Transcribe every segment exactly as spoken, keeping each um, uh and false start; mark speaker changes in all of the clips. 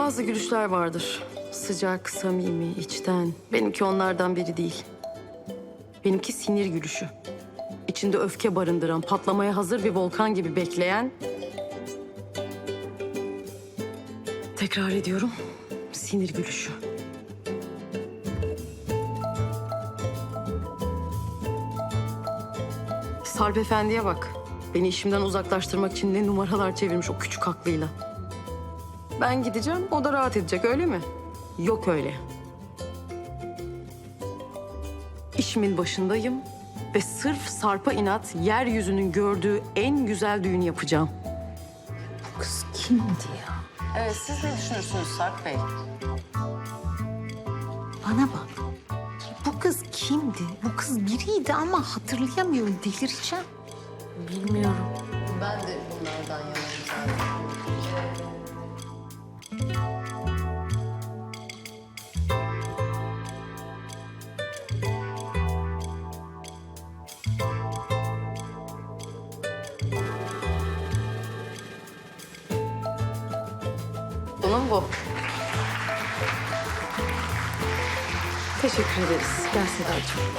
Speaker 1: Bazı gülüşler vardır. Sıcak, samimi, içten. Benimki onlardan biri değil. Benimki sinir gülüşü. İçinde öfke barındıran, patlamaya hazır bir volkan gibi bekleyen... Tekrar ediyorum, sinir gülüşü. Sarp Efendi'ye bak. Beni işimden uzaklaştırmak için ne numaralar çevirmiş o küçük aklıyla. Ben gideceğim, o da rahat edecek, öyle mi? Yok öyle. İşimin başındayım ve sırf Sarp'a inat yeryüzünün gördüğü en güzel düğünü yapacağım.
Speaker 2: Bu kız kimdi ya?
Speaker 1: Evet, siz ne düşünürsünüz Sarp Bey?
Speaker 2: Bana bak. Bu kız kimdi? Bu kız biriydi ama hatırlayamıyorum. Delireceğim.
Speaker 1: Bilmiyorum. Ben de bunlardan yanayım zaten. Bunun bu. Teşekkür ederiz. Gel Sedacığım.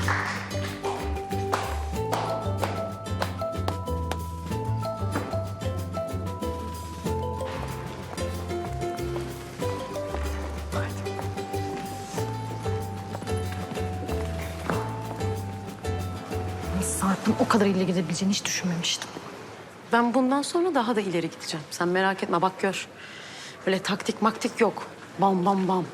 Speaker 2: Sarp'ın o kadar ileri gidebileceğini hiç düşünmemiştim.
Speaker 1: Ben bundan sonra daha da ileri gideceğim. Sen merak etme, bak gör. Böyle taktik maktik yok. Bam bam bam.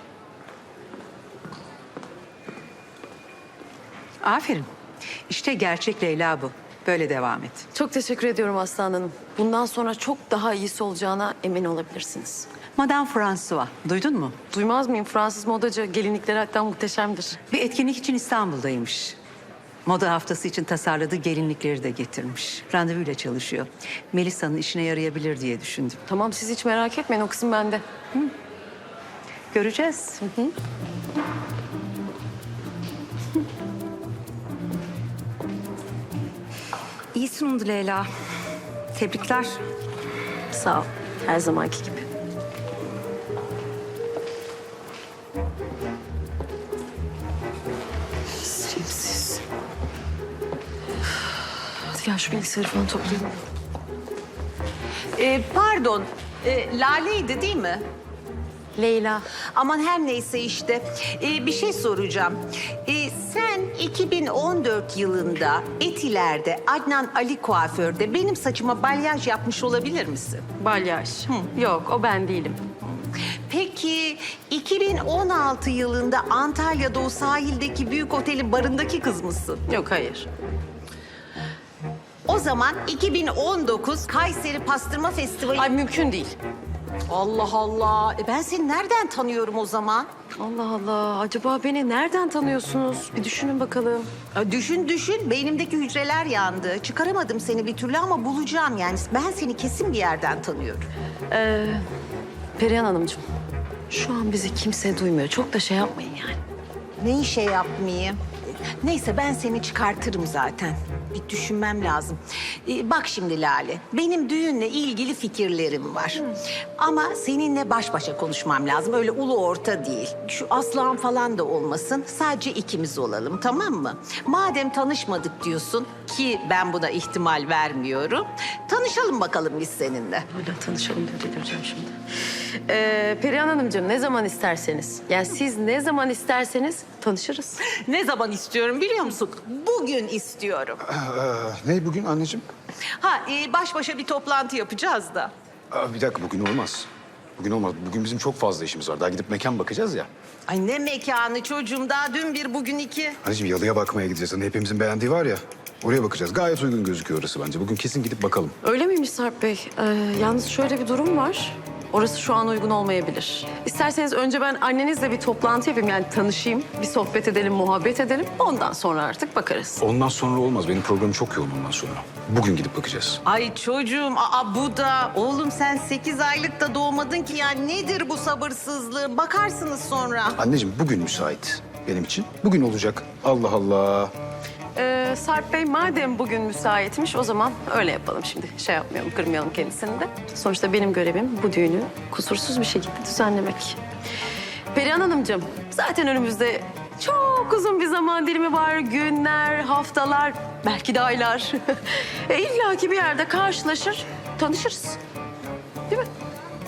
Speaker 3: Aferin. İşte gerçek Leyla bu. Böyle devam et.
Speaker 1: Çok teşekkür ediyorum Aslan Hanım. Bundan sonra çok daha iyisi olacağına emin olabilirsiniz.
Speaker 3: Madame François. Duydun mu?
Speaker 1: Duymaz mıyım? Fransız modacı. Gelinlikleri hatta muhteşemdir.
Speaker 3: Bir etkinlik için İstanbul'daymış. Moda haftası için tasarladığı gelinlikleri de getirmiş. Randevuyla çalışıyor. Melisa'nın işine yarayabilir diye düşündüm.
Speaker 1: Tamam, siz hiç merak etmeyin. O kısım bende.
Speaker 3: Göreceğiz. Hı hı. İyi sunumdu Leyla. Tebrikler.
Speaker 1: Sağ ol. Her zamanki gibi. Sevimsiz. Hadi gel şu bilgisayarı falan toplayalım.
Speaker 4: Ee, pardon, ee, Lale'ydi değil mi?
Speaker 1: Leyla.
Speaker 4: Aman her neyse işte. Ee, bir şey soracağım. Ee, sen iki bin on dört yılında Etiler'de Adnan Ali Kuaför'de benim saçıma balyaj yapmış olabilir misin?
Speaker 1: Balyaj. Yok, o ben değilim.
Speaker 4: Peki iki bin on altı yılında Antalya'da o sahildeki büyük otelin barındaki kız mısın?
Speaker 1: Yok, hayır.
Speaker 4: O zaman iki bin on dokuz Kayseri Pastırma Festivali...
Speaker 1: Ay, mümkün değil.
Speaker 4: Allah Allah. E ben seni nereden tanıyorum o zaman?
Speaker 1: Allah Allah. Acaba beni nereden tanıyorsunuz? Bir düşünün bakalım.
Speaker 4: Ya düşün düşün. Beynimdeki hücreler yandı. Çıkaramadım seni bir türlü ama bulacağım yani. Ben seni kesin bir yerden tanıyorum.
Speaker 1: Ee, Perihan Hanımcığım, şu an bizi kimse duymuyor. Çok da şey yapmayın yani.
Speaker 4: Ne işe yapmayayım? Neyse ben seni çıkartırım zaten. Bir düşünmem lazım. Ee, bak şimdi Lale, benim düğünle ilgili fikirlerim var. Ama seninle baş başa konuşmam lazım. Öyle ulu orta değil. Şu Aslan falan da olmasın. Sadece ikimiz olalım, tamam mı? Madem tanışmadık diyorsun ki ben buna ihtimal vermiyorum. Tanışalım bakalım biz seninle.
Speaker 1: Hala tanışalım diye delireceğim şimdi. Ee, Perihan Hanımcığım, ne zaman isterseniz. Yani siz ne zaman isterseniz tanışırız.
Speaker 4: Ne zaman istiyorum biliyor musun? Bugün istiyorum.
Speaker 5: Ee, ne bugün anneciğim?
Speaker 4: Ha, e, baş başa bir toplantı yapacağız da.
Speaker 5: Aa, bir dakika bugün olmaz. Bugün olmaz. Bugün bizim çok fazla işimiz var. Daha gidip mekan bakacağız ya.
Speaker 4: Ay ne mekanı çocuğum, daha dün bir bugün iki.
Speaker 5: Anneciğim yalıya bakmaya gideceğiz. Hani hepimizin beğendiği var ya. Oraya bakacağız. Gayet uygun gözüküyor orası bence. Bugün kesin gidip bakalım.
Speaker 1: Öyle miymiş Sarp Bey? Ee, yalnız şöyle bir durum var. Orası şu an uygun olmayabilir. İsterseniz önce ben annenizle bir toplantı yapayım. Yani tanışayım, bir sohbet edelim, muhabbet edelim. Ondan sonra artık bakarız.
Speaker 5: Ondan sonra olmaz. Benim programım çok yoğun ondan sonra. Bugün gidip bakacağız.
Speaker 4: Ay çocuğum, aa bu da. Oğlum sen sekiz aylık da doğmadın ki ya. Nedir bu sabırsızlığı? Bakarsınız sonra.
Speaker 5: Anneciğim bugün müsait benim için. Bugün olacak. Allah Allah.
Speaker 1: Ee, Sarp Bey madem bugün müsaitmiş o zaman öyle yapalım şimdi. Şey yapmayalım, kırmayalım kendisini de. Sonuçta benim görevim bu düğünü kusursuz bir şekilde düzenlemek. Perihan Hanımcığım, zaten önümüzde çok uzun bir zaman dilimi var. Günler, haftalar, belki de aylar. e, İlla ki bir yerde karşılaşır, tanışırız. Değil mi?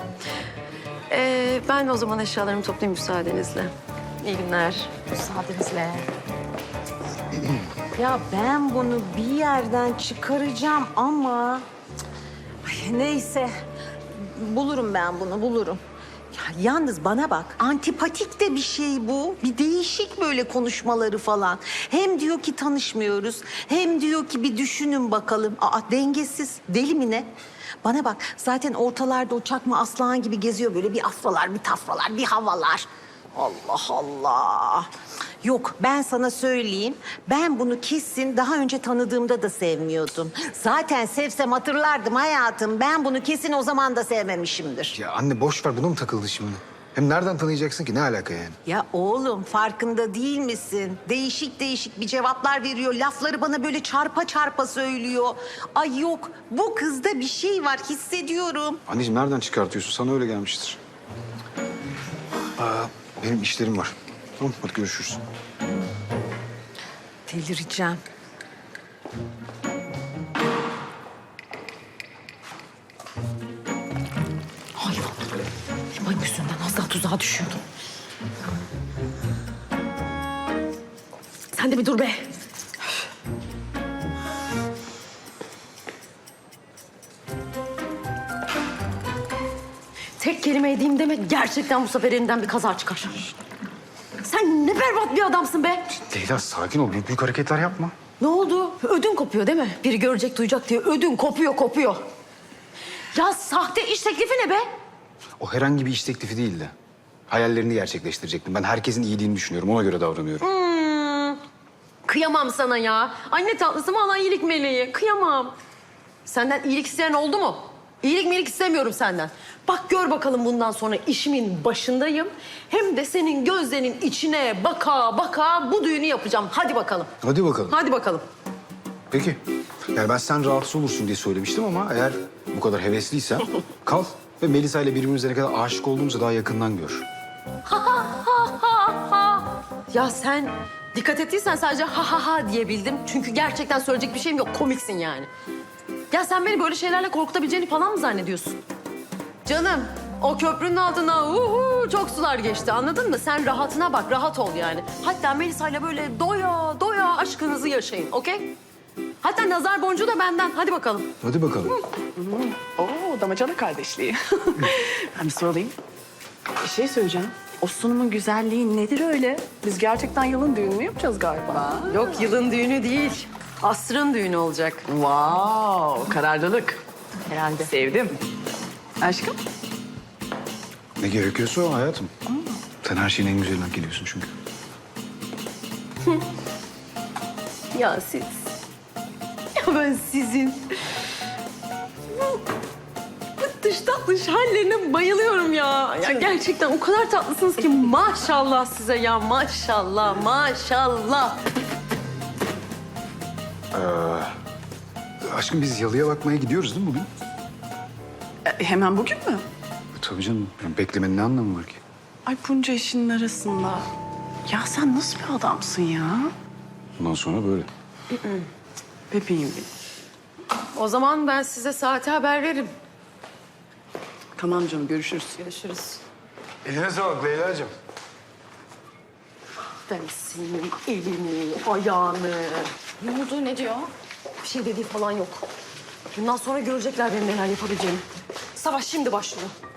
Speaker 1: Ee, ben o zaman eşyalarımı toplayayım müsaadenizle. İyi günler.
Speaker 4: Müsaadenizle. Ya ben bunu bir yerden çıkaracağım ama... Ay, neyse. Bulurum ben bunu, bulurum. Ya yalnız bana bak, antipatik de bir şey bu. Bir değişik böyle konuşmaları falan. Hem diyor ki tanışmıyoruz, hem diyor ki bir düşünün bakalım. Aa, dengesiz, deli mi ne? Bana bak, zaten ortalarda o çakma aslan gibi geziyor böyle. Bir afralar, bir tafralar, bir havalar. Allah Allah. Yok, ben sana söyleyeyim. Ben bunu kesin daha önce tanıdığımda da sevmiyordum. Zaten sevsem hatırlardım hayatım. Ben bunu kesin o zaman da sevmemişimdir.
Speaker 5: Ya anne boş ver, buna mı takıldı şimdi? Hem nereden tanıyacaksın ki? Ne alaka yani?
Speaker 4: Ya oğlum farkında değil misin? Değişik değişik bir cevaplar veriyor. Lafları bana böyle çarpa çarpa söylüyor. Ay yok, bu kızda bir şey var, hissediyorum.
Speaker 5: Anneciğim nereden çıkartıyorsun? Sana öyle gelmiştir. Aa, benim işlerim var. Tamam, hadi görüşürüz.
Speaker 4: Delireceğim.
Speaker 2: Hayvan. Benim yüzünden az daha tuzağa düşüyordum.
Speaker 1: Sen de bir dur be. Tek kelime edeyim deme, gerçekten bu sefer elinden bir kaza çıkar. Sen ne berbat bir adamsın be.
Speaker 5: Leyla sakin ol, büyük büyük hareketler yapma.
Speaker 1: Ne oldu? Ödün kopuyor değil mi? Biri görecek, duyacak diye ödün kopuyor, kopuyor. Ya sahte iş teklifi ne be?
Speaker 5: O herhangi bir iş teklifi değildi. Hayallerini gerçekleştirecektim. Ben herkesin iyiliğini düşünüyorum, ona göre davranıyorum.
Speaker 1: Kıyamam sana ya. Anne tatlısı mı, alan iyilik meleği. Kıyamam. Senden iyilik isteyen oldu mu? İyilik miyilik istemiyorum senden. Bak gör bakalım bundan sonra işimin başındayım. Hem de senin gözlerinin içine baka baka bu düğünü yapacağım. Hadi bakalım.
Speaker 5: Hadi bakalım.
Speaker 1: Hadi bakalım.
Speaker 5: Peki. Yani ben sen rahatsız olursun diye söylemiştim ama eğer bu kadar hevesliysen kal ve Melisa ile birbirimize ne kadar aşık olduğumuzu daha yakından gör.
Speaker 1: Ya sen dikkat ettiysen sadece ha ha ha diyebildim. Çünkü gerçekten söyleyecek bir şeyim yok. Komiksin yani. Ya sen beni böyle şeylerle korkutabileceğini falan mı zannediyorsun? Canım, o köprünün altına uhu, çok sular geçti, anladın mı? Sen rahatına bak, rahat ol yani. Hatta Melisa'yla böyle doya doya aşkınızı yaşayın, okey? Hatta nazar boncuğu da benden. Hadi bakalım.
Speaker 5: Hadi bakalım.
Speaker 6: Oo, damacana kardeşliği. Ben bir sorayım. Bir şey söyleyeceğim. O sunumun güzelliği nedir öyle? Biz gerçekten yılın düğünü mü yapacağız galiba?
Speaker 1: Yok, yılın düğünü değil. Asrın düğünü olacak.
Speaker 6: Wow, kararlılık. Herhalde. Sevdim. Aşkım?
Speaker 5: Ne gerekiyorsa o hayatım. Sen her şeyin en güzeline hak ediyorsun çünkü.
Speaker 1: Ya siz... Ya ben sizin... Dış tatlış hallerine bayılıyorum ya. Ya gerçekten o kadar tatlısınız ki maşallah size ya. Maşallah, maşallah.
Speaker 5: Aşkım biz yalıya bakmaya gidiyoruz değil mi bugün?
Speaker 6: E, hemen bugün mü?
Speaker 5: E, tabii canım. Yani beklemenin ne anlamı var ki?
Speaker 6: Ay bunca işin arasında. Ya sen nasıl bir adamsın ya?
Speaker 5: Bundan sonra böyle.
Speaker 6: Bebeğim benim.
Speaker 1: O zaman ben size saate haber veririm.
Speaker 6: Tamam canım, görüşürüz.
Speaker 1: Görüşürüz.
Speaker 5: Eline sağlık Leyla'cığım.
Speaker 1: Ben senin elini, ayağını... Ne oldu, ne diyor? Bir şey dediği falan yok. Bundan sonra görecekler benim neler yapabileceğimi. Savaş şimdi başlıyor.